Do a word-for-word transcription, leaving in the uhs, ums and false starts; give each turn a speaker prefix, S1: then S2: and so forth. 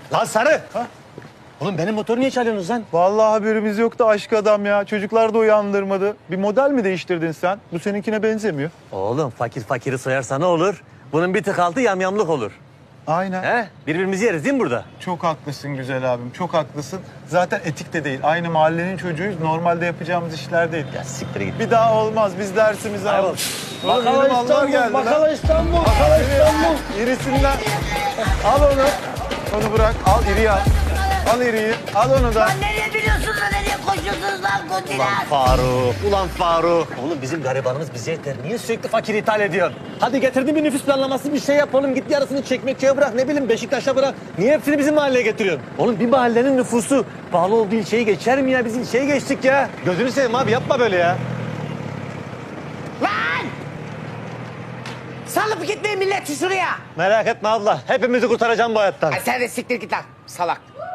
S1: Lan Sarı!
S2: Ha?
S1: Oğlum benim motoru niye çalıyorsunuz lan?
S2: Vallahi haberimiz yoktu aşk adam ya. Çocuklar da uyandırmadı. Bir model mi değiştirdin sen? Bu seninkine benzemiyor.
S1: Oğlum fakir fakiri soyarsa ne olur? Bunun bir tık altı yamyamlık olur.
S2: Aynen.
S1: He? Birbirimizi yeriz değil mi burada?
S2: Çok haklısın güzel abim. Çok haklısın. Zaten etik de değil. Aynı mahallenin çocuğuyuz. Normalde yapacağımız işler değil.
S1: Ya siktir git.
S2: Bir daha olmaz. Biz dersimizi
S1: Ayol.
S2: aldık. Oğlum yeni mallar geldi lan.
S3: Bakala İstanbul,
S2: Bakala
S3: Bakala İstanbul.
S2: İrisinden. Al onu. Onu bırak. Al iriyi al. Al iriyi. Al onu da.
S4: Lan nereye biliyorsunuz da nereye koşuyorsunuz lan
S1: Ulan
S4: kundiler?
S1: Faruk, ulan Faruk. Oğlum bizim garibanımız bize yeter. Niye sürekli fakir ithal ediyorsun? Hadi getirdin bir nüfus planlaması bir şey yap oğlum. Git yarısını Çekmeköy'e bırak, ne bileyim Beşiktaş'a bırak. Niye hepsini bizim mahalleye getiriyorsun? Oğlum bir mahallenin nüfusu pahalı olduğu ilçeyi geçer mi ya? Biz ilçeyi geçtik ya. Gözünü seveyim abi yapma böyle ya.
S4: Lan! Salıp gitmeyin milleti şuraya.
S1: Merak etme abla. Hepimizi kurtaracağım bu hayattan.
S4: Ay sen de siktir git lan salak.